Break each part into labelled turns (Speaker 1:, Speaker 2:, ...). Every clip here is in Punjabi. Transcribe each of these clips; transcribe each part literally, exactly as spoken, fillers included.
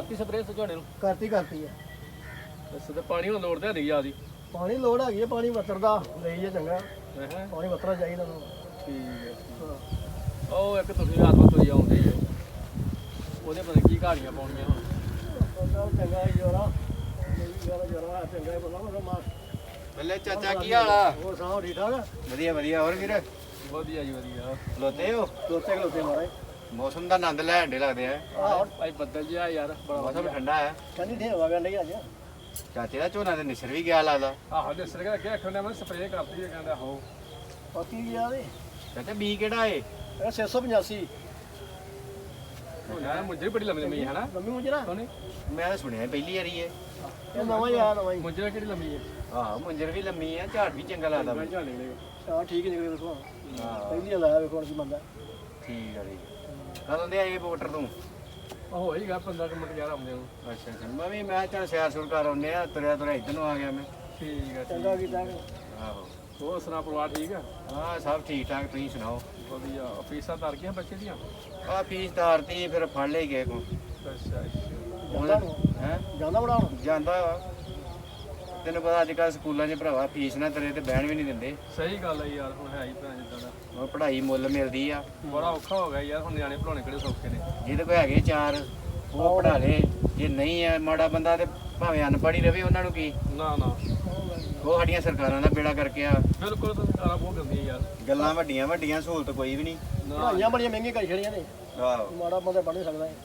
Speaker 1: ਕਰਤੀ ਸਪਰੇਅ ਝੋਨੇ ਨੂੰ
Speaker 2: ਕਰਤੀ ਕਰਤੀ ਆ
Speaker 1: ਅੱਛਾ ਤੇ ਪਾਣੀ ਹੁਣ ਲੋੜ ਤੇ ਨਹੀਂ ਜਿਆਦੀ
Speaker 2: ਪਾਣੀ ਲੋੜ ਹੈਗੀ ਆ ਪਾਣੀ ਵਤਰਦਾ ਲਈ ਆ ਚੰਗਾ
Speaker 1: ਹੈ
Speaker 2: ਪਾਣੀ ਵਤਰਾ ਚਾਹੀਦਾ ਨੂੰ
Speaker 1: ਠੀਕ ਹੈ
Speaker 2: ਹਾਂ
Speaker 1: ਉਹ ਇੱਕ ਤੁਸੀਂ ਆਤਮਾ ਤੁਰੀ ਆਉਂਦੇ ਹੀ ਉਹਦੇ ਪਤਾ ਕੀ ਘਾੜੀਆਂ ਪਾਉਣੀਆਂ ਹੁਣ
Speaker 2: ਬੰਦਾ ਚੰਗਾ ਹੀ ਜੋਰਾ ਇਹ ਵੀ ਗੱਲ ਜੋਰਾ ਚੰਗਾ ਹੀ ਬੰਦਾ ਮਤਲਬ ਮਾਰ
Speaker 3: ਬੱਲੇ ਚਾਚਾ ਕੀ ਹਾਲ ਆ
Speaker 2: ਹੋਰ ਸੁਣਾਓ ਠੀਕ ਠਾਕ
Speaker 3: ਵਧੀਆ ਵਧੀਆ ਹੋਰ ਵੀਰ
Speaker 1: ਵਧੀਆ ਜੀ ਵਧੀਆ
Speaker 3: ਲੋਤੇ ਹੋ
Speaker 2: ਦੋਤੇ ਖਲੋਤੇ ਮਾਰੇ
Speaker 3: ਮੌਸਮ ਦਾ ਆਨੰਦ ਲੈਣ ਦੇ ਲੱਗਦੇ ਆ
Speaker 2: ਆਹ
Speaker 1: ਭਾਈ ਬੱਦਲ ਜਿਹਾ ਯਾਰ ਬੜਾ
Speaker 3: ਮੌਸਮ ਠੰਡਾ ਹੈ
Speaker 2: ਠੰਡੀ ਠੇ ਹਵਾ ਗੰਢੀ ਅੱਜ
Speaker 3: ਚਾਚੇ ਦਾ ਝੋਨਾ ਤੇ ਨਿਸਰ ਵੀ ਗਿਆ ਲੱਗਦਾ
Speaker 1: ਆਹੋ ਦੇ ਸਰ ਕੇ ਅੱਖਾਂ ਨੇ ਮੈਂ ਸਪਰੇਅ ਕਰਤੀ ਹੈ ਕਹਿੰਦਾ ਹੋ
Speaker 2: ਪਤੀ ਗਿਆ ਦੇ
Speaker 3: ਚਾਚਾ ਬੀ ਕਿਹੜਾ ਏ
Speaker 2: ਇਹ ਛੇ ਸੌ ਪਚਾਸੀ
Speaker 1: ਉਹ ਯਾਰ ਮੁੰਜਰੀ ਬੜੀ ਲੰਮੀ ਲੰਮੀ ਹੈ ਨਾ
Speaker 2: ਲੰਮੀ ਮੁੰਜਰਾ
Speaker 1: ਸੋਨੀ
Speaker 3: ਮੈਂ ਤਾਂ ਸੁਣਿਆ ਪਹਿਲੀ ਵਾਰੀ ਏ
Speaker 2: ਇਹ ਨਵਾਂ ਹੀ ਆਇਆ ਨਵਾਂ ਹੀ
Speaker 1: ਮੁੰਜਰੀ ਕਿਹੜੀ ਲੰਮੀ ਹੈ
Speaker 3: ਆਹੋ ਮੁੰਜਰ ਵੀ ਲੰਮੀ ਆ ਝਾੜ ਵੀ ਚੰਗਾ ਲੱਗਦਾ
Speaker 1: ਮੈਂ
Speaker 3: ਮੈਨੂੰ।
Speaker 1: ਝਾੜ ਲੈ
Speaker 2: ਹਾਂ ਠੀਕ ਨਿਕਲੇ ਵੇਖੋ
Speaker 3: ਹਾਂ
Speaker 2: ਪਹਿਲੀ ਲਾਇਆ ਵੇਖੋ ਹੁਣ ਕੀ ਬੰਦਾ
Speaker 3: ਠੀਕ ਆ ਜੀ ਕਦੋਂ ਦੇ ਆਏ ਵੋਟਰ ਤੂੰ
Speaker 1: ਉਹ ਹੋਈਗਾ ਪੰਦਰਾਂ ਕੁ ਮਿੰਟ ਯਾਰ ਆਉਂਦੇ ਨੂੰ
Speaker 3: ਅੱਛਾ ਅੱਛਾ ਮੈਂ ਵੀ ਮੈਂ ਚੱਲ ਸੈਰ ਸੁਰ ਕਰ ਆਉਂਦੇ ਆ ਤੁਰਿਆ ਤੁਰਿਆ ਇੱਧਰ ਨੂੰ ਆ ਗਿਆ ਮੈਂ
Speaker 1: ਠੀਕ ਹੈ
Speaker 2: ਚੰਗਾ ਕੀਤਾ ਕਿ
Speaker 3: ਆਹੋ
Speaker 1: ਹੋਰ ਸੁਣਾ ਪਰਿਵਾਰ ਠੀਕ ਆ
Speaker 3: ਹਾਂ ਸਭ ਠੀਕ ਠਾਕ ਤੁਸੀਂ ਸੁਣਾਓ
Speaker 1: ਵਧੀਆ ਫੀਸਾਂ ਤਰ ਗਈਆਂ ਬੱਚੇ ਦੀਆਂ
Speaker 3: ਆ ਫੀਸ ਤਾਰਤੀ ਫਿਰ ਫੜ ਲਈ ਗਏ ਕੋ
Speaker 1: ਅੱਛਾ
Speaker 2: ਜਾਂਦਾ ਨੂੰ
Speaker 3: ਹੈ
Speaker 2: ਜਾਂਦਾ ਬਣਾਉਣ
Speaker 3: ਜਾਂਦਾ ਵਾ ਤੈਨੂੰ ਪਤਾ ਅੱਜ ਕੱਲ ਸਕੂਲਾਂ 'ਚ ਭਰਾਵਾ ਫੀਸ ਨਾ ਤੇਰੇ ਤੇ ਬਹਿਣ ਵੀ ਨਹੀਂ ਦਿੰਦੇ
Speaker 1: ਸਹੀ ਗੱਲ ਹੈ ਯਾਰ ਹੁਣ ਹੈ ਹੀ ਭੈਣ ਜਿੱਦਾਂ ਦਾ
Speaker 3: ਹੁਣ ਪੜ੍ਹਾਈ ਮੁੱਲ ਮਿਲਦੀ ਆ
Speaker 1: ਬੜਾ ਔਖਾ ਹੋ ਗਿਆ ਯਾਰ ਹੁਣ ਨਿਆਣੇ ਪੜਾਉਣੇ ਕਿਹੜੇ ਸੌਖੇ ਨੇ
Speaker 3: ਜਿਹਦੇ ਕੋਲ ਹੈਗੇ ਚਾਰ ਉਹ ਪੜ੍ਹਾ ਲੇ ਜੇ ਨਹੀਂ ਹੈ ਮਾੜਾ ਬੰਦਾ ਤੇ ਭਾਵੇਂ ਅਨਪੜ੍ਹ ਹੀ ਰਵੇ ਉਹਨਾਂ ਨੂੰ ਕੀ
Speaker 1: ਨਾ ਨਾ
Speaker 3: ਉਹ ਸਾਡੀਆਂ ਸਰਕਾਰਾਂ ਦਾ ਬੇੜਾ ਕਰਕੇ ਆ
Speaker 1: ਬਿਲਕੁਲ ਤਾਂ ਸਰਕਾਰਾਂ ਬਹੁਤ ਕਰਦੀਆਂ ਯਾਰ
Speaker 3: ਗੱਲਾਂ ਵੱਡੀਆਂ ਵੱਡੀਆਂ ਸਹੂਲਤ ਕੋਈ ਵੀ ਨਹੀਂ
Speaker 1: ਨਾ
Speaker 2: ਪੜਾਈਆਂ ਬੜੀਆਂ ਮਹਿੰਗੀਆਂ ਕਰ ਛੜੀਆਂ ਨੇ
Speaker 3: ਆਹੋ
Speaker 2: ਮਾੜਾ ਬੰਦਾ ਪੜ੍ਹ ਨਹੀਂ ਸਕਦਾ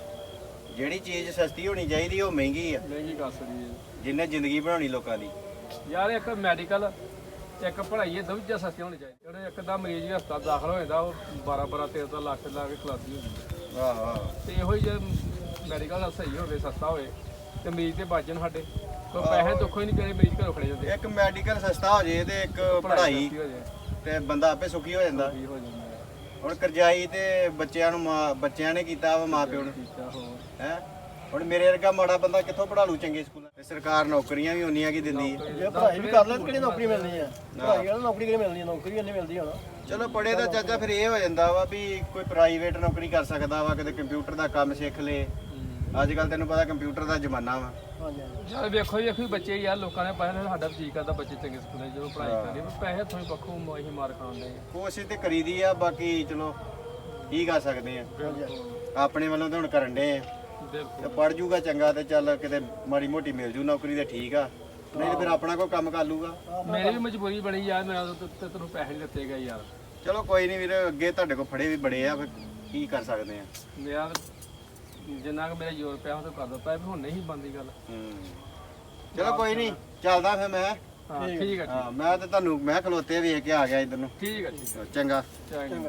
Speaker 3: ਜਿਹੜੀ ਚੀਜ਼ ਸਸਤੀ ਹੋਣੀ ਚਾਹੀਦੀ ਉਹ ਮਹਿੰਗੀ ਆ
Speaker 1: ਮਹਿੰਗੀ ਕਰ ਸਕਦੀ ਹੈ
Speaker 3: ਜਿੰਨੇ ਜ਼ਿੰਦਗੀ ਬਣਾਉਣੀ ਲੋਕਾਂ ਦੀ
Speaker 1: ਯਾਰ ਇੱਕ ਮੈਡੀਕਲ ਇੱਕ ਪੜ੍ਹਾਈ ਇਹ ਦੋਵੇਂ ਸਸਤੀਆਂ ਹੋਣੀ ਚਾਹੀਦੀ ਜਿਹੜੇ ਇੱਕ ਦਾ ਮਰੀਜ਼ ਹਸਪਤਾਲ ਦਾਖਲ ਹੋ ਜਾਂਦਾ ਉਹ ਬਾਰਾਂ ਬਾਰਾਂ ਤੇਰਾਂ ਤੇਰਾਂ ਲੱਖ ਲਾ ਕੇ ਖਲਾਸੀ ਹੋ ਜਾਂਦੀ
Speaker 3: ਆਹੋ ਆਹੋ
Speaker 1: ਤੇ ਇਹੋ ਹੀ ਜੇ ਮੈਡੀਕਲ ਸਹੀ ਹੋਵੇ ਸਸਤਾ ਹੋਵੇ ਤੇ ਮਰੀਜ਼ ਤੇ ਬਚ ਜਾਣ ਸਾਡੇ ਕੋਈ ਪੈਸੇ ਦੁੱਖੋ ਹੀ ਨਹੀਂ ਜਿਹੜੇ ਮਰੀਜ਼ ਘਰੋਂ ਖੜੇ ਜਾਂਦੇ
Speaker 3: ਇੱਕ ਮੈਡੀਕਲ ਸਸਤਾ ਹੋ ਜੇ ਤੇ ਇੱਕ ਪੜ੍ਹਾਈ
Speaker 1: ਸਸਤੀ ਹੋ ਜਾਏ
Speaker 3: ਤੇ ਬੰਦਾ ਆਪੇ ਸੁਖੀ ਹੋ ਜਾਂਦਾ
Speaker 1: ਵੀ ਹੋ ਜਾਂਦਾ ਹੈ।
Speaker 3: ਹੁਣ ਕਰਜ਼ਾਈ ਤੇ ਬੱਚਿਆਂ ਨੂੰ ਮਾਂ ਬੱਚਿਆਂ ਨੇ ਕੀਤਾ ਵਾ ਮਾਂ ਪਿਓ ਨੂੰ
Speaker 1: ਠੀਕ ਆ ਹੋਰ
Speaker 3: ਹੈ ਹੁਣ ਮੇਰੇ ਵਰਗਾ ਮਾੜਾ ਬੰਦਾ ਕਿੱਥੋਂ ਪੜ੍ਹਾ ਲੂ ਚੰਗੇ ਸਕੂਲਾਂ ਤੇ ਸਰਕਾਰ ਨੌਕਰੀਆਂ ਵੀ ਉਨੀਆਂ ਕੀ ਦਿੰਦੀ ਹੈ
Speaker 2: ਜੇ ਪੜ੍ਹਾਈ ਵੀ ਕਰ ਲੈ ਤਾਂ ਕਿਹੜੀ ਨੌਕਰੀ ਮਿਲਣੀ ਆ ਪੜ੍ਹਾਈ ਵਾਲਾ ਨੌਕਰੀ ਕਿਹੜੀ ਮਿਲਣੀ ਆ ਨੌਕਰੀ ਨਹੀਂ ਮਿਲਦੀ ਹੁਣ
Speaker 3: ਚਲੋ ਪੜ੍ਹੇ ਦਾ ਚਾਚਾ ਫਿਰ ਇਹ ਹੋ ਜਾਂਦਾ ਵਾ ਵੀ ਕੋਈ ਪ੍ਰਾਈਵੇਟ ਨੌਕਰੀ ਕਰ ਸਕਦਾ ਵਾ ਕਿਤੇ ਕੰਪਿਊਟਰ ਦਾ ਕੰਮ ਸਿੱਖ ਲੇ ਅੱਜ ਕੱਲ ਤੈਨੂੰ ਪਤਾ ਕੰਪਿਊਟਰ ਦਾ ਜ਼ਮਾਨਾ ਵਾ
Speaker 2: ਹਾਂਜੀ ਹਾਂਜੀ
Speaker 1: ਯਾਰ ਵੇਖੋ ਵੇਖੋ ਹੀ ਬੱਚੇ ਯਾਰ ਲੋਕਾਂ ਨੇ ਪੈਸੇ ਸਾਡਾ ਵੀ ਜੀ ਕਰਦਾ ਬੱਚੇ ਚੰਗੇ ਸਕੂਲਾਂ 'ਚ ਜਦੋਂ ਪੜ੍ਹਾਈ ਕਰਦੇ ਪਰ ਪੈਸੇ ਥੋੜੀ ਪੱਖੋਂ ਅਸੀਂ ਮਾਰ ਖਾਂਦੇ
Speaker 3: ਕੋਸ਼ਿਸ਼ ਤੇ ਕਰੀਦੀ ਆ ਬਾਕੀ ਚਲੋ ਕੀ ਕਰ ਸਕਦੇ ਆ ਆਪਣੇ ਵੱਲੋਂ ਤਾਂ ਹੁਣ ਕਰਨ ਦੇ ਆ ਤੇ
Speaker 1: ਬਿਲਕੁਲ
Speaker 3: ਪੜ ਜੂਗਾ ਚੰਗਾ ਤੇ ਚੱਲ ਕਿਤੇ ਮਾੜੀ ਮੋਟੀ ਮਿਲ ਜੂ ਨੌਕਰੀ ਤੇ ਠੀਕ ਆ ਨਹੀਂ ਤੇ ਫਿਰ ਆਪਣਾ ਕੋਈ ਕੰਮ ਕਰ ਲੂਗਾ
Speaker 1: ਮੇਰੀ ਵੀ ਮਜਬੂਰੀ ਬਣੀ ਯਾਰ ਮੈਂ ਤੇ ਤੈਨੂੰ ਪੈਸੇ ਨਹੀਂ ਦਿੱਤੇ ਗਏ ਯਾਰ
Speaker 3: ਚਲੋ ਕੋਈ ਨਹੀਂ ਵੀਰ ਅੱਗੇ ਤੁਹਾਡੇ ਕੋਲ ਫੜੇ ਵੀ ਬੜੇ ਆ ਫਿਰ ਕੀ ਕਰ ਸਕਦੇ ਆ
Speaker 1: ਮੇਰਾ ਜਿੰਨਾ ਕੁ ਮੇਰਾ ਜ਼ੋਰ ਪਿਆ ਉਹ ਤਾਂ ਕਰ ਦਿੱਤਾ ਵੀ ਹੁਣ ਨਹੀਂ ਬਣਦੀ ਗੱਲ
Speaker 3: ਹੂੰ ਚਲੋ ਕੋਈ ਨਹੀਂ ਚੱਲਦਾ ਫਿਰ ਮੈਂ
Speaker 1: ਹਾਂ ਠੀਕ ਹੈ
Speaker 3: ਹਾਂ ਮੈਂ ਤੇ ਤੁਹਾਨੂੰ ਮੈਂ ਖਲੋਤੇ ਵੇਖ ਕੇ ਆ ਗਿਆ ਇਧਰ ਨੂੰ
Speaker 1: ਠੀਕ ਹੈ ਠੀਕ ਹੈ
Speaker 3: ਚੰਗਾ
Speaker 1: ਚੰਗਾ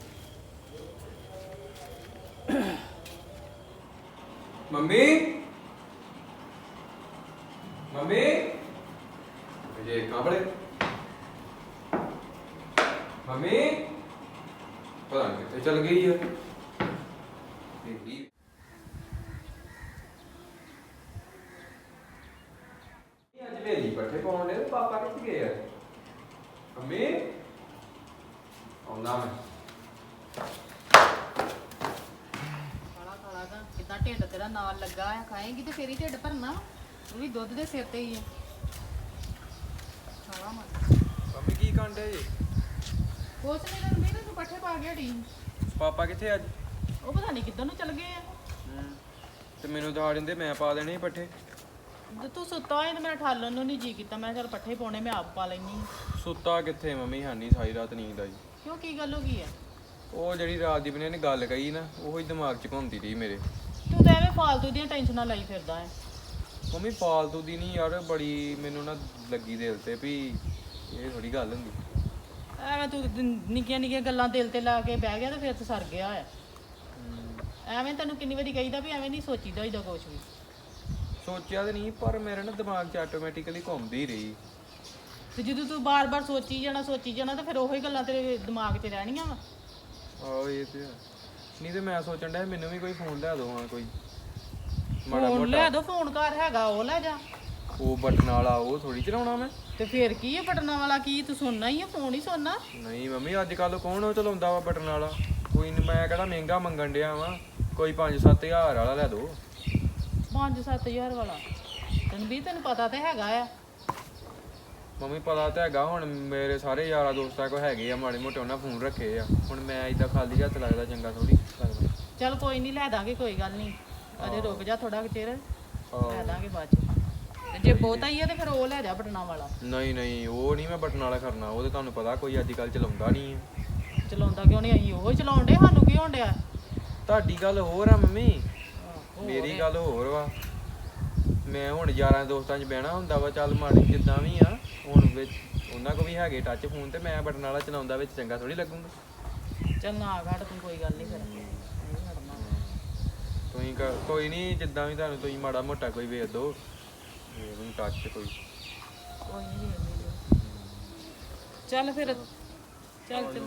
Speaker 4: मम्मी मम्मी ये कहाँ पड़े मम्मी पता नहीं कितने चल गई है आज वेली पट्टे पाने पापा कितने गए हैं मम्मी आना मैं
Speaker 5: ਕਿੱਦਾਂ ਢਿੱਡ ਤੇਰਾ ਨਾਲ ਲੱਗਾ ਆ ਖਾਏਂਗੀ ਤੇ ਫੇਰ ਹੀ ਢਿੱਡ ਭਰਨਾ ਉਹ ਵੀ ਦੁੱਧ ਦੇ ਸਿਰ ਤੇ ਹੀ ਹੈ ਖਾਵਾ ਮਤ
Speaker 4: मम्मी की कांड है ये
Speaker 5: ਕੁਛ ਨਹੀਂ ਤੈਨੂੰ ਵੀ ਤੂੰ ਪੱਠੇ ਪਾ ਗਿਆ ਢੀ
Speaker 4: पापा कितने आज
Speaker 5: ਉਹ ਪਤਾ ਨਹੀਂ ਕਿੱਧਰ ਨੂੰ ਚਲ ਗਏ ਆ
Speaker 4: ਤੇ ਮੈਨੂੰ ਦਿਖਾ ਦਿੰਦੇ ਮੈਂ ਪਾ ਦੇਣੇ ਸੀ ਪੱਠੇ
Speaker 5: ਤੇ ਤੂੰ ਸੁੱਤਾ ਹੋਇਆ ਤੇ ਮੇਰਾ ਠਾਲਣ ਨੂੰ ਨਹੀਂ ਜੀ ਕੀਤਾ ਮੈਂ ਚਲ ਪੱਠੇ ਪਾਉਣੇ ਮੈਂ ਆਪ ਪਾ ਲੈਣੀ
Speaker 4: ਸੁੱਤਾ ਕਿੱਥੇ ਮੰਮੀ ਹਾਨੀ ਸਾਰੀ ਰਾਤ ਨੀਂਦ ਆਈ
Speaker 5: ਕਿਉਂ ਕੀ ਗੱਲ ਹੋ ਗਈ ਹੈ
Speaker 4: ਉਹ ਜਿਹੜੀ ਰਾਜਦੀਪ ਨੇ ਨੇ ਗੱਲ ਕਹੀ ਨਾ ਉਹੀ ਦਿਮਾਗ 'ਚ ਘੁੰਮਦੀ ਰਹੀ ਮੇਰੇ
Speaker 5: ਤੂੰ ਤਾਂ ਐਵੇਂ ਫਾਲਤੂ ਦੀਆਂ ਟੈਨਸ਼ਨਾਂ ਲਈ ਫਿਰਦਾ ਹੈ
Speaker 4: ਮੰਮੀ ਫਾਲਤੂ ਦੀ ਨਹੀਂ ਯਾਰ ਬੜੀ ਮੈਨੂੰ ਨਾ ਲੱਗੀ ਦਿਲ ਤੇ ਵੀ ਇਹ ਥੋੜੀ ਗੱਲ ਹੁੰਦੀ
Speaker 5: ਐਵੇਂ ਤੂੰ ਦ- ਨਿੱਕੀਆਂ ਨਿੱਕੀਆਂ ਗੱਲਾਂ ਦਿਲ ਤੇ ਲਾ ਕੇ ਬਹਿ ਗਿਆ ਤੇ ਫਿਰ ਤੂੰ ਸਰ ਗਿਆ ਹੈ ਐਵੇਂ ਤੈਨੂੰ ਕਿੰਨੀ ਵਾਰੀ ਕਹੀਦਾ ਵੀ ਐਵੇਂ ਨਹੀਂ ਸੋਚੀਦਾ ਇਹਦਾ ਕੁਛ ਵੀ
Speaker 4: ਸੋਚਿਆ ਤੇ ਨਹੀਂ ਪਰ ਮੇਰੇ ਨਾ ਦਿਮਾਗ 'ਚ ਆਟੋਮੈਟਿਕਲੀ ਘੁੰਮਦੀ ਰਹੀ
Speaker 5: ਤੇ ਜਦੋਂ ਤੂੰ ਬਾਰ-ਬਾਰ ਸੋਚੀ ਜਾਣਾ ਸੋਚੀ ਜਾਣਾ ਤਾਂ ਫਿਰ ਉਹੀ ਗੱਲਾਂ ਤੇਰੇ ਦਿਮਾਗ 'ਚ ਰਹਿਣੀਆਂ ਵਾ
Speaker 4: ਆਹੋ ਇਹ ਤੇ ਹੈ। ਨਹੀਂ ਤੇ ਮੈਂ ਸੋਚਣ ਡਿਆ ਮੈਨੂੰ ਵੀ ਕੋਈ ਫੋਨ ਲਿਆ ਦੋ ਹਾਂ ਕੋਈ ਮਾੜਾ
Speaker 5: ਫੋਨ
Speaker 4: ਮੋਟਾ
Speaker 5: ਲੈ ਦੋ ਫੋਨ ਘਰ ਹੈਗਾ ਉਹ ਲੈ ਜਾ
Speaker 4: ਉਹ ਬਟਨ ਵਾਲਾ ਉਹ ਥੋੜੀ ਚਲਾਉਣਾ ਮੈਂ
Speaker 5: ਤੇ ਫੇਰ ਕੀ ਹੈ ਬਟਨਾਂ ਵਾਲਾ ਕੀ ਤੂੰ ਸੁਣਨਾ ਹੀ ਆ ਫੋਨ ਹੀ ਸੁਣਨਾ
Speaker 4: ਨਹੀਂ ਮੰਮੀ ਅੱਜ ਕੱਲ ਕੌਣ ਉਹ ਚਲਾਉਂਦਾ ਵਾ ਬਟਨ ਵਾਲਾ ਕੋਈ ਨਹੀਂ ਮੈਂ ਕਿਹੜਾ ਮਹਿੰਗਾ ਮੰਗਣ ਡਿਆ ਵਾਂ ਕੋਈ ਪੰਜ ਸੱਤ ਹਜ਼ਾਰ ਵਾਲਾ ਲੈ ਦੋ
Speaker 5: ਪੰਜ ਸੱਤ ਹਜ਼ਾਰ ਵਾਲਾ ਤੈਨੂੰ ਵੀ ਤੈਨੂੰ ਪਤਾ ਤੇ ਹੈਗਾ ਆ।
Speaker 4: ਮੰਮੀ ਪਤਾ ਤਾਂ ਹੈਗਾ, ਹੁਣ ਮੇਰੇ ਸਾਰੇ ਯਾਰਾਂ ਦੋਸਤਾਂ ਕੋ ਹੈਗੇ ਆ ਮਾੜੇ ਮੋਟੇ, ਉਹਨਾਂ ਫੋਨ ਰੱਖੇ ਆ। ਹੁਣ ਮੈਂ ਇਦਾਂ ਖਾਲੀ ਹੱਥ ਲੱਗਦਾ ਚੰਗਾ ਥੋੜੀ ਲੱਗਦਾ।
Speaker 5: ਚੱਲ ਕੋਈ ਨਹੀਂ ਲੈ ਦਾਂਗੇ, ਕੋਈ ਗੱਲ ਨਹੀਂ, ਅਜੇ ਰੁਕ ਜਾ ਥੋੜਾ ਚਿਰ, ਲੈ ਦਾਂਗੇ ਬਾਅਦ ਚ। ਤੇ ਜੇ ਬਹੁਤਾ ਹੀ ਆ ਤੇ ਫਿਰ ਉਹ ਲੈ ਜਾ ਬਟਨਾ ਵਾਲਾ।
Speaker 4: ਨਹੀਂ ਨਹੀਂ ਉਹ ਨਹੀਂ ਮੈਂ ਬਟਨ ਵਾਲਾ ਕਰਨਾ, ਉਹ ਤੇ ਤੁਹਾਨੂੰ ਪਤਾ ਕੋਈ ਅੱਜ ਕੱਲ੍ਹ ਚਲਾਉਂਦਾ ਨਹੀਂ ਹੈ।
Speaker 5: ਚਲਾਉਂਦਾ ਕਿਉਂ ਨਹੀਂ, ਅਸੀਂ ਉਹ ਚਲਾਉਣ ਡੇ, ਸਾਨੂੰ ਕੀ ਹੋਣ ਡਿਆ।
Speaker 4: ਤੁਹਾਡੀ ਗੱਲ ਹੋਰ ਆ ਮੰਮੀ, ਮੇਰੀ ਗੱਲ ਹੋਰ ਵਾ। ਮੈਂ ਹੁਣ ਯਾਰਾਂ ਦੋਸਤਾਂ 'ਚ ਬਹਿਣਾ ਹੁੰਦਾ ਵਾ, ਚੱਲ ਮਾੜੀ ਜਿੱਦਾਂ ਵੀ ਆ, ਹੁਣ ਵਿੱਚ ਉਹਨਾਂ ਕੋ ਵੀ ਹੈਗੇ ਟੱਚ ਫੋਨ, ਤੇ ਮੈਂ ਬਟਨ ਵਾਲਾ ਚਲਾਉਂਦਾ ਵਿੱਚ ਚੰਗਾ ਥੋੜੀ ਲੱਗੂਗਾ।
Speaker 5: ਚੱਲ ਨਾ ਘੜ ਤੂੰ, ਕੋਈ ਗੱਲ ਨਹੀਂ ਫਿਰ
Speaker 4: ਤੁਸੀਂ ਕ- ਕੋਈ ਨਹੀਂ, ਜਿੱਦਾਂ ਵੀ ਤੁਹਾਨੂੰ ਤੁਸੀਂ ਮਾੜਾ ਮੋਟਾ ਕੋਈ ਵੇਚ ਦਿਓ ਮੈਨੂੰ ਟੱਚ ਕੋਈ।
Speaker 5: ਕੋਈ ਨਹੀਂ ਚੱਲ ਫਿਰ, ਚੱਲ ਚੱਲ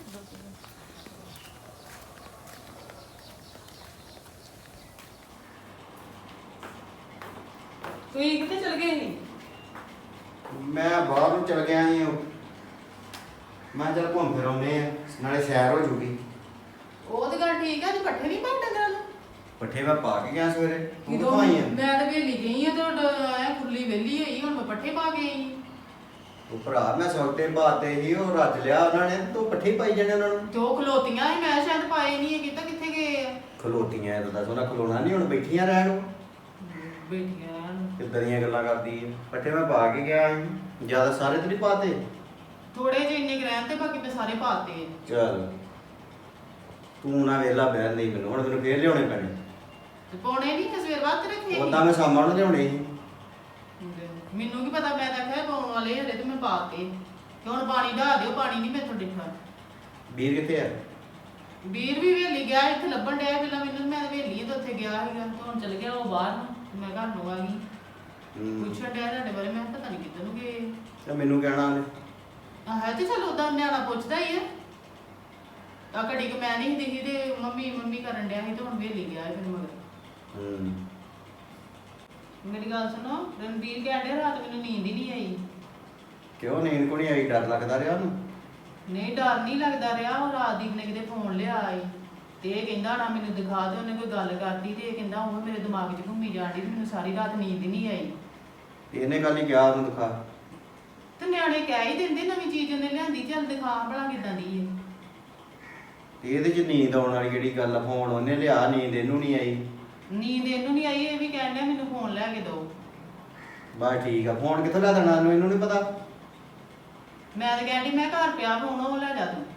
Speaker 5: ਤੁਸੀਂ ਕਿੱਥੇ ਚਲ ਗਏ ਸੀ?
Speaker 3: ਮੈਂ ਬਾਹਰ ਨੂੰ ਚਲ ਗਿਆ ਸੀ, ਮੈਂ ਚੱਲ ਘੁੰਮ ਫਿਰ ਆਉਂਦੇ ਆ, ਨਾਲੇ ਸੈਰ ਹੋ ਜੂਗੀ।
Speaker 5: ਉਹ ਤੇ ਗੱਲ ਠੀਕ ਆ, ਤੂੰ ਪੱਠੇ ਨਹੀਂ ਪਾਉਂਦਾ ਡੰਗਰਾਂ ਨੂੰ।
Speaker 3: ਪੱਠੇ ਮੈਂ ਪਾ ਕੇ ਗਿਆ ਸਵੇਰੇ, ਤੂੰ
Speaker 5: ਕਿਦੋਂ?
Speaker 3: ਕਿੱਥੋਂ ਆਈ ਆ?
Speaker 5: ਮੈਂ ਤਾਂ ਵੇਲੀ ਗਈ ਆ ਤੇ ਆਇਆ ਖੁਰਲੀ ਵੇਲੀ ਹੋਈ, ਹੁਣ ਮੈਂ ਪੱਠੇ ਪਾ ਕੇ ਆਈ।
Speaker 3: ਉਹ ਭਰਾ ਮੈਂ ਸੌਟੇ ਪਾਤੇ ਸੀ, ਉਹ ਰੱਜ ਲਿਆ ਉਹਨਾਂ ਨੇ, ਤੂੰ ਪੱਠੇ ਪਾਈ ਜਾਣੇ ਉਹਨਾਂ ਨੂੰ।
Speaker 5: ਦੋ ਖਲੋਤੀਆਂ ਸੀ, ਮੈਂ ਸ਼ਾਇਦ ਪਾਏ ਨਹੀਂ, ਕਿਤਾ ਕਿੱਥੇ ਗਏ ਆ?
Speaker 3: ਖਲੋਤੀਆਂ ਇਹ ਤਾਂ ਸੋਨਾ ਖਲੋਣਾ ਨਹੀਂ, ਹੁਣ ਬੈਠੀਆਂ ਰਹਿਣ ਨੂੰ।
Speaker 5: ਬੈਠੀਆਂ
Speaker 3: ਕਿੱਦਾਂ ਦੀਆਂ ਗੱਲਾਂ ਕਰਦੀ ਹੈ। ਪੱਠੇ ਮੈਂ ਪਾ ਕੇ ਗਿਆ ਸੀ, ਜਿਆਦਾ ਸਾਰੇ ਤੇ ਨਹੀਂ ਪਾਤੇ।
Speaker 5: ਥੋੜੇ ਜਿਹੇ ਇੰਨੇ ਕੁ ਰਹਿਣ ਤੇ ਬਾਕੀ ਮੈਂ ਸਾਰੇ ਪਾਤੇ ਆ।
Speaker 3: ਚੱਲ ਤੂੰ ਨਾ ਵੇਲਾ ਬਹਿਣ ਨਹੀਂ, ਮੈਨੂੰ ਹੁਣ ਮੈਨੂੰ ਫੇਰ ਲਿਆਉਣੇ ਪੈਣੇ।
Speaker 5: ਤੇ ਪਾਉਣੇ ਨਹੀਂ ਸਵੇਰ ਬਾਅਦ ਤੇ ਰੱਖੇ ਸੀ।
Speaker 3: ਉਦਾਂ ਮੈਂ ਸਾਮਾਂ ਨੂੰ ਲਿਆਉਣੇ ਸੀ।
Speaker 5: ਮੈਨੂੰ ਕੀ ਪਤਾ, ਮੈਂ ਤਾਂ ਕਿਹਾ ਪਾਉਣ ਵਾਲੇ ਹਰੇ ਤੇ ਮੈਂ ਪਾਤੇ। ਤੇ ਹੁਣ ਪਾਣੀ ਢਾ ਦਿਓ, ਪਾਣੀ ਨਹੀਂ ਮੈਥੋਂ ਡਿੱਠਾ।
Speaker 3: ਵੀਰ ਕਿੱਥੇ ਆ?
Speaker 5: ਵੀਰ ਵੀ ਵੇਲੀ ਗਿਆ, ਇੱਥੇ ਲੱਭਣ ਡਿਆ ਪਹਿਲਾਂ ਮੈਨੂੰ, ਮੈਂ ਵੇਲੀ ਤੇ ਉੱਥੇ ਗਿਆ ਸੀਗਾ, ਤੇ ਹੁਣ ਚਲ ਗਿਆ ਉਹ ਬਾਹਰ ਨੂੰ, ਤੇ ਮੈਂ ਘਰ ਨੂੰ ਆ ਗਈ।
Speaker 3: ਹੂੰ।
Speaker 5: ਪੁੱਛਣ ਡਿਆ ਤੁਹਾਡੇ ਬਾਰੇ, ਮੈਂ ਕਿਹਾ ਪਤਾ ਨਹੀਂ ਕਿੱਧਰ ਨੂੰ ਗਏ।
Speaker 3: ਤੇ ਮੈਨੂੰ ਕਹਿਣਾ ਉਹਨੇ।
Speaker 5: ਆ ਹੈ ਤੇ ਚਲ ਉਦਾਂ ਨਿਆਣਾ ਪੁੱਛਦਾ ਹੀ ਆ। ਆ ਘੜੀ ਕਿ ਮੈਂ ਨਹੀਂ ਦਿਖੀ ਤੇ ਮੰਮੀ ਮੰਮੀ ਕਰਨ ਡਿਆ ਸੀ, ਤੇ ਹੁਣ ਵੇਲੀ ਗਿਆ ਫਿਰ ਮਗਰ।
Speaker 3: ਹੂੰ।
Speaker 5: ਮੇਰੀ ਗੱਲ ਸੁਣੋ, ਰਣਬੀਰ ਕਹਿੰਦੇ ਰਾਤ ਮੈਨੂੰ ਨੀਂਦ ਹੀ ਨਹੀਂ ਆਈ।
Speaker 3: ਕਿਉਂ ਨੀਂਦ ਕੋ ਨਹੀਂ ਆਈ? ਡਰ ਲੱਗਦਾ ਰਿਹਾ ਉਹਨੂੰ?
Speaker 5: ਨਹੀਂ ਡਰ ਨਹੀਂ ਲੱਗਦਾ ਰਿਹਾ, ਉਹ ਰਾਜਦੀਪ ਨੇ ਕਿਤੇ ਫੋਨ ਲਿਆ ਆਈ ਤੇ ਇਹ ਕਹਿੰਦਾ ਨਾ ਮੈਨੂੰ ਦਿਖਾ ਦੇ, ਉਹਨੇ ਕੋਈ ਗੱਲ ਕਰਤੀ ਤੇ ਇਹ ਕਹਿੰਦਾ ਉਹ ਮੇਰੇ ਦਿਮਾਗ 'ਚ ਘੁੰਮੀ ਜਾਂਦੀ, ਮੈਨੂੰ ਸਾਰੀ ਰਾਤ ਨੀਂਦ ਨਹੀਂ ਆਈ।
Speaker 3: ਇਹਨੇ ਗੱਲ ਹੀ ਕਿਹਾ ਉਹਨੂੰ ਦਿਖਾ।
Speaker 5: ਤੇ ਨਿਆਣੇ ਕਹਿ ਹੀ ਦਿੰਦੇ ਨਵੀਂ ਚੀਜ਼ ਉਹਨੇ ਲਿਆਂਦੀ, ਚੱਲ ਦਿਖਾ ਭਲਾ ਕਿਦਾਂ ਦੀ ਹੈ।
Speaker 3: ਇਹਦੇ 'ਚ ਨੀਂਦ ਆਉਣ ਵਾਲੀ ਕਿਹੜੀ ਗੱਲ ਆ? ਫੋਨ ਉਹਨੇ ਲਿਆ, ਨੀਂਦ ਇਹਨੂੰ ਨਹੀਂ ਆਈ।
Speaker 5: ਨੀਂਦ ਇਹਨੂੰ ਨਹੀਂ ਆਈ, ਇਹ ਵੀ ਕਹਿਣ ਡਿਆ ਮੈਨੂੰ ਫੋਨ ਲੈ ਕੇ ਦਿਓ।
Speaker 3: ਬਸ ਠੀਕ ਆ, ਫੋਨ ਕਿੱਥੋਂ ਲਿਆ ਦੇਣਾ ਇਹਨੂੰ? ਇਹਨੂੰ ਨਹੀਂ ਪਤਾ।
Speaker 5: ਮੈਂ ਤਾਂ ਕਹਿੰਦੀ ਮੈਂ ਘਰ ਪਿਆ ਫੋਨ, ਉਹ ਲੈ ਜਾ ਤੂੰ।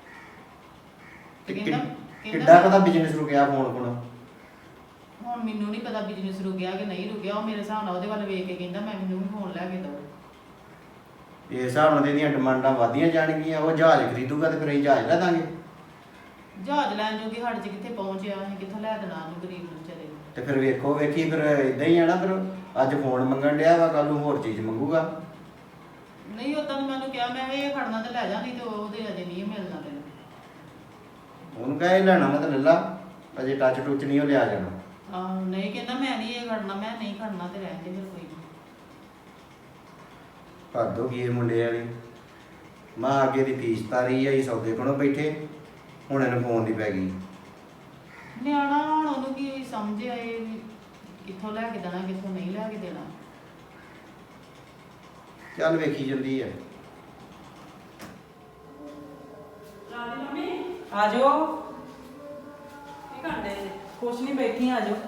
Speaker 5: ਤੇ ਕਹਿੰਦਾ
Speaker 3: ਕਿੱਡਾ ਪਤਾ ਬਿਜ਼ਨਸ ਰੁਕਿਆ ਫੋਨ ਕੋਲ?
Speaker 5: ਹੁਣ ਮੈਨੂੰ ਨਹੀਂ ਪਤਾ ਬਿਜ਼ਨਸ ਰੁਕਿਆ ਕਿ ਨਹੀਂ ਰੁਕਿਆ, ਉਹ ਮੇਰੇ ਹਿਸਾਬ ਨਾਲ ਉਹਦੇ ਵੱਲ ਵੇਖ ਕੇ ਕਹਿੰਦਾ ਮੈਂ ਮੈਨੂੰ ਵੀ ਫੋਨ ਲੈ ਕੇ ਦਿਓ।
Speaker 3: ਇਸ ਹਿਸਾਬ ਨਾਲ ਇਹਦੀਆਂ ਡਿਮਾਂਡਾਂ ਵਧੀਆਂ ਜਾਣਗੀਆਂ। ਉਹ ਜਹਾਜ਼ ਖਰੀਦੂਗਾ ਤੇ ਫਿਰ ਅਸੀਂ ਜਹਾਜ਼ ਲੈ ਦਾਂਗੇ।
Speaker 5: ਜਹਾਜ਼ ਲੈਣ ਜੋਗੀ ਸਾਡੇ 'ਚ ਕਿੱਥੇ ਪਹੁੰਚਿਆ, ਅਸੀਂ ਕਿੱਥੋਂ ਲੈ ਦੇਣਾ ਉਹਨੂੰ ਗਰੀਬ ਨੂੰ ਵਿਚਾਰੇ ਨੂੰ।
Speaker 3: ਤੇ ਫਿਰ ਵੇਖੋ ਵੇਖੀ ਫਿਰ ਇਦਾਂ ਹੀ ਆ ਨਾ, ਫਿਰ ਅੱਜ ਫੋਨ ਮੰਗਣ ਡਿਆ ਵਾ, ਕੱਲ ਨੂੰ ਹੋਰ ਚੀਜ਼ ਮੰਗੂਗਾ।
Speaker 5: ਨਹੀਂ ਉਦਾਂ ਤਾਂ ਮੈਨੂੰ ਕਿਹਾ ਮੈਂ ਕਿਹਾ ਇਹ ਖੜਨਾ ਤੇ ਲੈ ਜਾ, ਨਹੀਂ ਤੇ ਉਹਦੇ ਅਜੇ ਨਹੀਂ ਮਿਲਣਾ ਤੈਨੂੰ।
Speaker 3: ਉਹਨੂੰ ਕਹੇ ਲੈਣਾ ਮੈਂ ਤਾਂ ਲੈ ਲਾ, ਅਜੇ ਟੱਚ ਟੁੱਚ ਨਹੀਂ ਉਹ ਲਿਆ ਜਾਣਾ।
Speaker 5: ਆਹੋ ਨਹੀਂ ਕਹਿੰਦਾ ਮੈਂ ਨਹੀਂ ਇਹ ਖੜਨਾ, ਮੈਂ ਨਹੀਂ ਖੜਨਾ ਤੇ ਰਹਿਣ ਦੇ ਫਿਰ ਕੋਈ ਨਹੀਂ।
Speaker 3: ਹੱਦ ਹੋ ਗਈ ਇਹ ਮੁੰਡੇ ਵਾਲੀ। ਮਾਂ ਅੱਗੇ ਦੀ ਫੀਸ ਤਾਰੀ ਆਈ, ਸੌਦੇ ਕੋਲੋਂ ਬੈਠੇ, ਹੁਣ ਇਹਨੂੰ ਫੋਨ ਦੀ ਪੈ ਗਈ।
Speaker 5: ਨਿਆਣਾ ਹੁਣ ਉਹਨੂੰ ਕੀ ਸਮਝ ਆਏ ਵੀ ਕਿੱਥੋਂ ਲੈ ਕੇ ਦੇਣਾ ਕਿੱਥੋਂ ਨਹੀਂ ਲੈ ਕੇ ਦੇਣਾ।
Speaker 3: ਚੱਲ ਵੇਖੀ ਜਾਂਦੀ ਹੈ।
Speaker 6: ਆ ਜਾਓ। ਕੀ ਕਰਦੇ ਜੀ? ਕੁਛ ਨਹੀਂ, ਬੈਠੀ ਆ ਜਾਓ।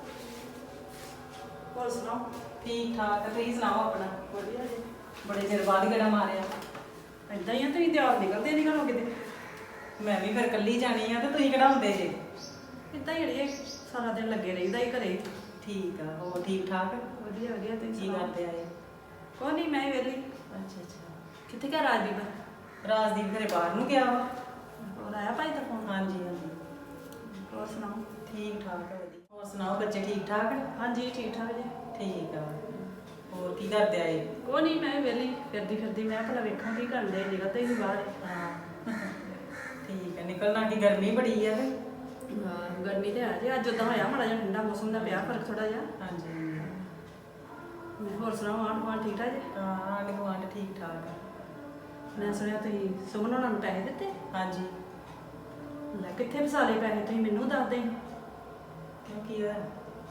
Speaker 6: ਹੋਰ ਸੁਣਾਓ? ਠੀਕ ਠਾਕ, ਤੁਸੀਂ ਸੁਣਾਓ ਆਪਣਾ? ਵਧੀਆ ਜੀ। ਬੜੇ ਚਿਰ ਬਾਅਦ ਗੇੜਾ ਮਾਰਿਆ।
Speaker 7: ਏਦਾਂ ਹੀ ਆ, ਤੁਸੀਂ ਤਿਆਰ ਨਿਕਲਦੇ ਨਹੀਂ ਘਰੋਂ ਕਿਤੇ।
Speaker 6: ਮੈਂ ਵੀ ਫਿਰ ਕੱਲੀ ਜਾਣੀ ਆ ਤੇ ਤੁਸੀਂ ਕਿਹੜਾ ਹੁੰਦੇ ਜੇ?
Speaker 7: ਏਦਾਂ ਹੀ ਅੜੀਏ, ਸਾਰਾ ਦਿਨ ਲੱਗੇ ਰਹੀਦਾ ਹੀ ਘਰੇ।
Speaker 6: ਠੀਕ ਆ, ਹੋਰ ਠੀਕ ਠਾਕ?
Speaker 7: ਵਧੀਆ ਵਧੀਆ, ਤੁਸੀਂ
Speaker 6: ਕੀ
Speaker 7: ਸੁਣਾਓ?
Speaker 6: ਕਰਦੇ ਆਏ?
Speaker 7: ਕੋਈ ਨਹੀਂ, ਮੈਂ ਵੇਲੀ।
Speaker 6: ਅੱਛਾ ਅੱਛਾ।
Speaker 7: ਕਿੱਥੇ ਗਿਆ ਰਾਜਦੀਪ?
Speaker 6: ਰਾਜਦੀਪ ਘਰੇ ਬਾਹਰ ਨੂੰ ਗਿਆ ਵਾ।
Speaker 7: ਹੋਰ ਆਇਆ ਭਾਈ ਦਾ ਫੋਨ?
Speaker 6: ਹਾਂਜੀ ਹਾਂਜੀ।
Speaker 7: ਹੋਰ ਸੁਣਾਓ?
Speaker 6: ਠੀਕ ਠਾਕ ਆ, ਵਧੀਆ। ਹੋਰ ਸੁਣਾਓ, ਬੱਚੇ ਠੀਕ ਠਾਕ?
Speaker 7: ਹਾਂਜੀ ਠੀਕ ਠਾਕ ਜੀ।
Speaker 6: ਠੀਕ ਆ। ਹੋਰ ਕੀ ਕਰਦੇ ਆਏ?
Speaker 7: ਕੋਈ ਨਹੀਂ, ਮੈਂ ਵੇਲੀ ਫਿਰਦੀ ਫਿਰਦੀ, ਮੈਂ ਭਲਾ ਵੇਖਾਂ ਕੀ ਕਰਦੇ ਜਗ੍ਹਾ ਤੇ ਹੀ ਬਾਹਰ।
Speaker 6: ਹਾਂ ਠੀਕ ਆ। ਨਿਕਲਣਾ ਕੀ, ਗਰਮੀ ਬੜੀ ਆ ਤੇ।
Speaker 7: ਹਾਂ ਗਰਮੀ ਤੇ ਆ ਜੀ, ਅੱਜ ਉਦਾਂ ਹੋਇਆ ਮਾੜਾ ਜਿਹਾ ਠੰਡਾ ਮੌਸਮ ਦਾ, ਪਿਆ ਫਰਕ ਥੋੜਾ ਜਿਹਾ।
Speaker 6: ਹਾਂਜੀ।
Speaker 7: ਮੈਂ ਹੋਰ ਸੁਣਾਓ, ਆਂਢ ਗੁਆਂਢ ਠੀਕ ਠਾਕ ਜੀ?
Speaker 6: ਹਾਂ ਆਂਢ ਗੁਆਂਢ ਠੀਕ ਠਾਕ ਆ।
Speaker 7: ਮੈਂ ਸੁਣਿਆ ਤੁਸੀਂ ਸੁਮਨ ਉਹਨਾਂ ਨੂੰ ਪੈਸੇ ਦਿੱਤੇ?
Speaker 6: ਹਾਂਜੀ।
Speaker 7: ਲੈ ਕਿੱਥੇ ਫਸਾ ਲਏ ਪੈਸੇ? ਤੁਸੀਂ ਮੈਨੂੰ ਦੱਸ ਦੇ।
Speaker 6: ਕਿਉਂ ਕੀ ਹੋਇਆ?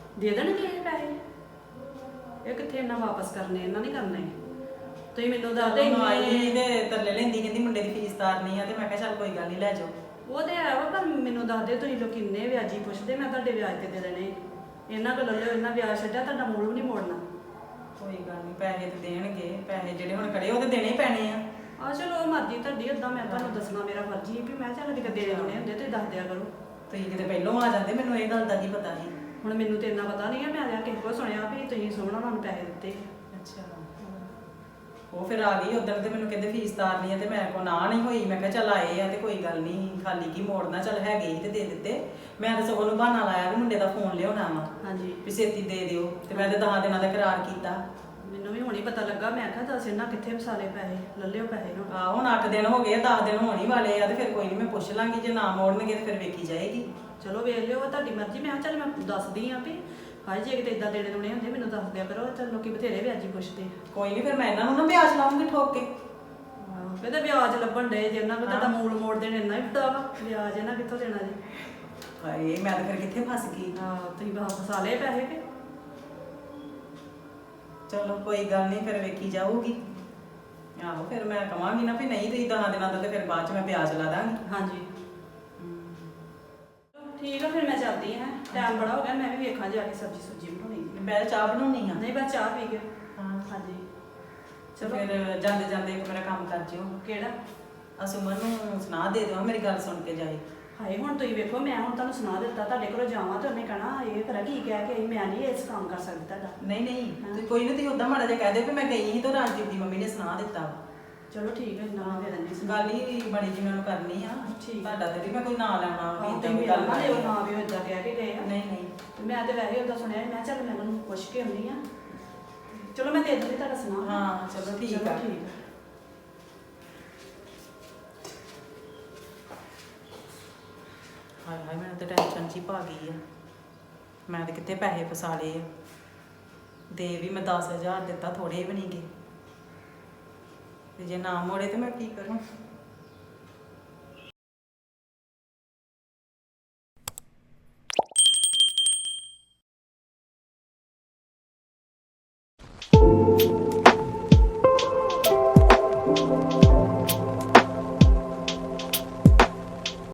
Speaker 7: ਦੇ ਦੇਣਗੇ ਇਹ ਪੈਸੇ? ਇਹ ਕਿੱਥੇ ਇਹਨਾਂ ਵਾਪਸ ਕਰਨੇ, ਇਹਨਾਂ ਨਹੀਂ ਕਰਨੇ। ਤੁਸੀਂ ਮੈਨੂੰ ਦੱਸਦੇ
Speaker 6: ਜਦੋਂ ਆਈ
Speaker 7: ਇੰਨੇ-
Speaker 6: ਤੇ ਤਰਲੇ ਲੈਂਦੀ ਕਹਿੰਦੀ ਮੁੰਡੇ ਦੀ ਫੀਸ ਤਾਰਨੀ ਆ ਤੇ ਮੈਂ ਕਿਹਾ ਚੱਲ ਕੋਈ ਗੱਲ ਨਹੀਂ ਲੈ ਜਾਓ।
Speaker 7: ਉਹ ਤੇ ਹੈ ਵਾ, ਪਰ ਮੈਨੂੰ ਦੱਸਦੇ ਤੁਸੀਂ ਲੋਕ ਕਿੰਨੇ ਵਿਆਜੀ ਪੁੱਛਦੇ, ਮੈਂ ਤੁਹਾਡੇ ਵਿਆਜ ਤੇ ਦੇ ਦੇਣੇ। ਇਹਨਾਂ ਕੋਲ ਲੈ ਲਿਓ, ਇਹਨਾਂ ਵਿਆਜ ਛੱਡਿਆ, ਤੁਹਾਡਾ ਮੂਲ ਵੀ ਨਹੀਂ ਮੋੜਨਾ।
Speaker 6: ਕੋਈ ਗੱਲ ਨਹੀਂ, ਪੈਸੇ ਤੇ ਦੇਣਗੇ, ਪੈਸੇ ਜਿਹੜੇ ਹੁਣ ਖੜੇ ਉਹ ਤੇ ਦੇਣੇ ਹੀ ਪੈਣੇ ਆ।
Speaker 7: ਆ ਚਲੋ ਮਰਜ਼ੀ ਤੁਹਾਡੀ, ਓਦਾਂ ਮੈਂ ਤੁਹਾਨੂੰ ਦੱਸਣਾ ਮੇਰਾ ਫਰਜ਼ ਹੀ ਵੀ ਮੈਂ ਚੱਲ ਕਿਤੇ ਦੇਣੇ ਦੁਣੇ ਹੁੰਦੇ ਤੇ ਦੱਸ ਦਿਆ ਕਰੋ।
Speaker 6: ਤੁਸੀਂ ਕਿਤੇ ਪਹਿਲੋਂ ਆ ਜਾਂਦੇ, ਮੈਨੂੰ ਇਹ ਗੱਲ ਦਾ ਕੀ ਪਤਾ ਸੀ।
Speaker 7: ਹੁਣ ਮੈਨੂੰ ਤੇ ਇੰਨਾ ਪਤਾ ਨਹੀਂ ਹੈ, ਮੈਂ ਆ ਕਿਸੇ ਕੋਲ ਸੁਣਿਆ ਵੀ ਤੁਸੀਂ ਸੋਹਣਾ ਉਹਨਾਂ ਨੂੰ ਪੈਸੇ ਦਿੱਤੇ।
Speaker 6: ਅੱਛਾ, ਉਹ ਫਿਰ ਆ ਗਈ ਉਦੋਂ ਤੇ ਮੈਨੂੰ ਕਹਿੰਦੇ ਫੀਸ ਤਾਰਨੀ ਆ ਤੇ ਮੈਂ ਕੋ ਨਾ ਨਹੀਂ ਹੋਈ। ਮੈਂ ਕਿਹਾ ਚੱਲ ਆਏ ਆ ਤੇ ਕੋਈ ਗੱਲ ਨਹੀਂ, ਖਾਲੀ ਕੀ ਮੋੜਨਾ, ਚੱਲ ਹੈਗੇ ਹੀ ਤੇ ਦੇ ਦਿੱਤੇ। ਮੈਂ ਤਾਂ ਸਗੋਂ ਨੂੰ ਬਹਾਨਾ ਲਾਇਆ ਵੀ ਮੁੰਡੇ ਦਾ ਫੋਨ ਲਿਆਉਣਾ ਵਾ
Speaker 7: ਹਾਂਜੀ,
Speaker 6: ਵੀ ਛੇਤੀ ਦੇ ਦਿਓ ਤੇ ਮੈਂ ਤੇ ਦਸਾਂ ਦਿਨਾਂ ਦਾ ਕਰਾਰ ਕੀਤਾ।
Speaker 7: ਮੈਨੂੰ ਵੀ ਹੁਣੀ ਪਤਾ ਲੱਗਾ। ਮੈਂ ਕਿਹਾ ਦੱਸ ਇਹਨਾਂ ਕਿੱਥੇ ਵਸਾਲੇ ਪੈਸੇ, ਲੈ ਲਿਓ ਪੈਸੇ ਹੁਣ।
Speaker 6: ਆ ਹੁਣ ਅੱਠ ਦਿਨ ਹੋ ਗਏ, ਦਸ ਦਿਨ ਹੋਣ ਹੀ ਵਾਲੇ ਆ ਤੇ ਫਿਰ ਕੋਈ ਨਹੀਂ, ਮੈਂ ਪੁੱਛ ਲਾਂਗੀ, ਜੇ ਨਾ ਮੋੜਨਗੇ ਤੇ ਫਿਰ ਵੇਖੀ ਜਾਏਗੀ।
Speaker 7: ਚਲੋ ਵੇਖ ਲਿਓ, ਉਹ ਤੁਹਾਡੀ ਮਰਜ਼ੀ। ਮੈਂ ਕਿਹਾ ਚੱਲ ਮੈਂ ਦੱਸਦੀ ਆ ਵੀ ਹਾਏ ਜੇ ਕਿਤੇ ਇਦਾਂ ਦੇਣੇ ਦੁਣੇ ਹੁੰਦੇ ਮੈਨੂੰ ਦੱਸ ਦਿਆ ਕਰੋ। ਚੱਲ ਲੋਕੀ ਬਥੇਰੇ ਵਿਆਜੀ ਪੁੱਛਦੇ।
Speaker 6: ਕੋਈ ਨਹੀਂ, ਫਿਰ ਮੈਂ ਇਹਨਾਂ ਨੂੰ ਨਾ ਵਿਆਜ ਲਾਉਂਗੀ ਠੋਕ ਕੇ।
Speaker 7: ਆਹੋ, ਕਹਿੰਦੇ ਵਿਆਜ ਲੱਭਣ ਡੇ ਜੇ ਉਹਨਾਂ ਕੋਲ ਤੁਹਾਡਾ ਮੂਲ ਮੋੜ ਦੇਣ ਇੰਨਾ ਹੀ ਵੱਡਾ ਵਾ, ਵਿਆਜ ਇਹਨਾਂ ਕਿੱਥੋਂ ਦੇਣਾ ਜੀ?
Speaker 6: ਹਾਏ ਮੈਂ ਤਾਂ ਫਿਰ ਕਿੱਥੇ ਫਸ ਗਈ।
Speaker 7: ਹਾਂ, ਤੁਸੀਂ ਬਾਹਰ ਫਸਾ ਲਏ ਪੈਸੇ ਕਿ?
Speaker 6: ਚਲੋ ਕੋਈ ਗੱਲ ਨਹੀਂ, ਫਿਰ ਵੇਖੀ ਜਾਊਗੀ। ਆਹੋ ਫਿਰ ਮੈਂ ਕਵਾਂਗੀ ਨਾ ਵੀ ਨਹੀਂ ਤੁਸੀਂ ਦਸਾਂ ਦਿਨਾਂ ਦਾ ਤੇ ਫਿਰ ਬਾਅਦ ਚ ਮੈਂ ਵਿਆਜ ਲਾ ਦਾਂਗੀ।
Speaker 7: ਹਾਂਜੀ ਠੀਕ ਆ, ਫਿਰ ਮੈਂ ਚੱਲਦੀ ਹਾਂ। ਟਾਈਮ ਬੜਾ ਹੋ ਗਿਆ, ਮੈਂ ਵੀ ਵੇਖਾਂ ਜਾ ਕੇ ਸਬਜ਼ੀ ਸੁਬਜ਼ੀ ਬਣਾਉਣੀ ਜੀ।
Speaker 6: ਮੈਂ ਚਾਹ ਬਣਾਉਣੀ ਆ।
Speaker 7: ਨਹੀਂ ਬਸ ਚਾਹ ਪੀ ਕੇ।
Speaker 6: ਹਾਂ
Speaker 7: ਹਾਂਜੀ
Speaker 6: ਚਲੋ ਫਿਰ ਜਾਂਦੇ ਜਾਂਦੇ ਇੱਕ ਮੇਰਾ ਕੰਮ ਕਰ ਜਿਓ।
Speaker 7: ਕਿਹੜਾ?
Speaker 6: ਆ ਸੁਮਨ ਨੂੰ ਸੁਣਾ ਦੇ ਦਿਓ, ਮੇਰੀ ਗੱਲ ਸੁਣ ਕੇ ਜਾਏ।
Speaker 7: ਹਾਏ ਹੁਣ ਤੁਸੀਂ ਵੇਖੋ, ਮੈਂ ਹੁਣ ਤੁਹਾਨੂੰ ਸੁਣਾ ਦਿੱਤਾ, ਤੁਹਾਡੇ ਕੋਲੋਂ ਜਾਵਾਂ ਤੇ ਉਹਨੇ ਕਹਿਣਾ ਇਹ ਕਰਾ ਕੀ ਕਹਿ ਕੇ ਆਈ, ਮੈਂ ਨਹੀਂ ਇਸ ਕੰਮ ਕਰ ਸਕਦੀ ਤੁਹਾਡਾ।
Speaker 6: ਨਹੀਂ ਨਹੀਂ ਤੇ ਕੋਈ ਨਹੀਂ, ਤੁਸੀਂ ਉਦਾਂ ਮਾੜਾ ਜਿਹਾ ਕਹਿ ਦਿਓ ਕਿ ਮੈਂ ਗਈ ਸੀ ਤੇ ਰਾਜਦੀਪ ਦੀ ਮੰਮੀ ਨੇ ਸੁਣਾ ਦਿੱਤਾ।
Speaker 7: ਚਲੋ ਠੀਕ ਹੈ, ਇੰਨਾ ਮੈਂ ਦੇ ਦਿੰਦੀ ਸੀ।
Speaker 6: ਗੱਲ ਹੀ ਬੜੀ ਜੀ ਮੈਨੂੰ ਕਰਨੀ ਆ।
Speaker 7: ਠੀਕ।
Speaker 6: ਤੁਹਾਡਾ ਤੇ ਵੀ ਮੈਂ ਕੋਈ ਨਾਂ ਲੈਣਾ ਵੀ
Speaker 7: ਹਾਂ,
Speaker 6: ਏਦਾਂ
Speaker 7: ਤੁਸੀਂ
Speaker 6: ਕੋਈ
Speaker 7: ਗੱਲ
Speaker 6: ਗੱਲ
Speaker 7: ਨਾ
Speaker 6: ਕਰਨੀ
Speaker 7: ਲਿਓ,
Speaker 6: ਆ।
Speaker 7: ਨਾ ਵੀ ਉਹ ਏਦਾਂ ਕਹਿ ਕੇ ਗਏ ਆ।
Speaker 6: ਨਹੀਂ ਨਹੀਂ
Speaker 7: ਤੇ ਮੈਂ ਤੇ ਵੈਸੇ ਉਹਦਾ ਸੁਣਿਆ ਸੀ, ਮੈਂ ਕਿਹਾ ਚੱਲ ਮੈਂ ਉਹਨੂੰ ਪੁੱਛ ਕੇ ਆਉਂਦੀ ਆ। ਚਲੋ ਮੈਂ ਦੇ ਦਿੰਦੀ ਤੁਹਾਡਾ ਸੁਣਾ।
Speaker 6: ਹਾਂ ਚਲੋ ਠੀਕ
Speaker 7: ਚਲੋ
Speaker 6: ਆ।
Speaker 7: ਠੀਕ ਆ।
Speaker 6: ਹਾਏ ਹਾਏ ਮੈਨੂੰ ਤਾਂ ਟੈਨਸ਼ਨ ਚ ਹੀ ਪਾ ਗਈ ਆ। ਮੈਂ ਤਾਂ ਕਿੱਥੇ ਪੈਸੇ ਫਸਾ ਲਏ ਆ। ਦੇ ਵੀ ਮੈਂ ਦਸ ਹਜ਼ਾਰ ਦਿੱਤਾ, ਥੋੜੇ ਵੀ ਨਹੀਂ ਗਏ। ਤੇ ਜੇ ਨਾ ਮੋੜੇ ਤੇ ਮੈਂ ਕੀ ਕਰਾਂ?